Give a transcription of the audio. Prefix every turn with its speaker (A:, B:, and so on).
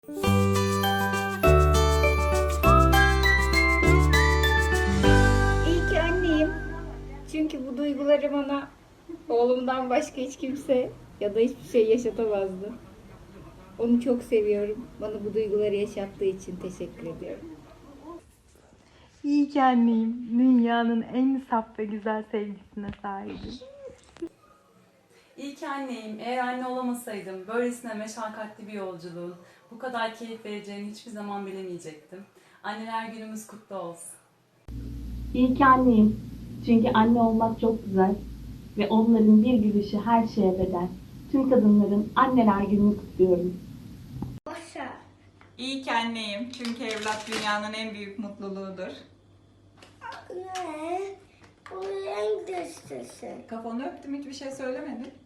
A: İyi ki anneyim. Çünkü bu duyguları bana oğlumdan başka hiç kimse ya da hiçbir şey yaşatamazdı. Onu çok seviyorum. Bana bu duyguları yaşattığı için teşekkür ediyorum.
B: İyi ki anneyim. Dünyanın en saf ve güzel sevgisine sahibim.
C: İyi ki anneyim. Eğer anne olamasaydım böylesine meşakkatli bir yolculuğun bu kadar keyif vereceğini hiçbir zaman bilemeyecektim. Anneler günümüz kutlu olsun.
D: İyi ki anneyim. Çünkü anne olmak çok güzel ve onların bir gülüşü her şeye bedel. Tüm kadınların anneler gününü kutluyorum.
E: İyi ki anneyim. Çünkü evlat dünyanın en büyük mutluluğudur.
F: Ne? O en güçlüsü.
E: Kafanı öptüm, hiçbir şey söylemedin.